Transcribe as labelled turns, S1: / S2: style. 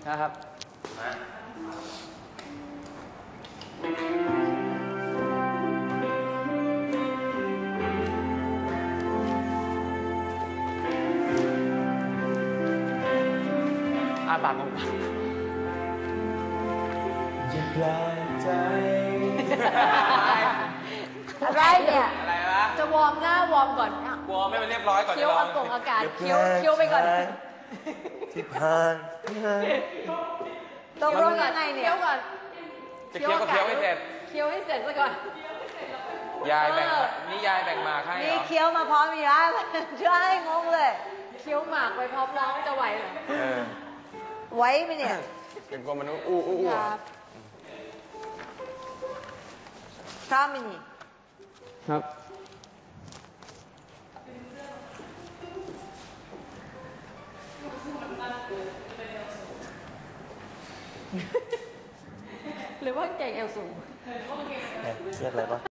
S1: นะครับปากของอย่าแปลกใจ
S2: อะไรเนี่ยอะไรวะจะวอร์มหน้าวอร์มก่อน
S3: วอร์มให้มันเรียบร้อยก่อน
S2: เคี้ยวอากาศเคี้ยวไปก่อน
S1: ที่ผ่าน
S2: ตกลงยังไงเนี่ยเคี้ยวก่อน
S3: จะเคี้ยวก็เคี้ยวให้เสร็จ
S2: เคี้ยวให้เสร็จซะก่อน
S3: ยายแบ่งนี่ยายแบ่งหมากให้เหรอ
S4: นี่เคี้ยวมาพร้อมอีกแล้วใช่งงเลย
S2: เคี้ยวหมากไปพร้อมร้องจะไหวเหรอ
S4: ไหวไหมเนี่ย
S3: เป็นกลัวมันอู้
S4: พร้อมไหมนี่
S1: ครับ
S2: หรือว่าเก่งเอวสูง
S1: เรียกอะไรปะ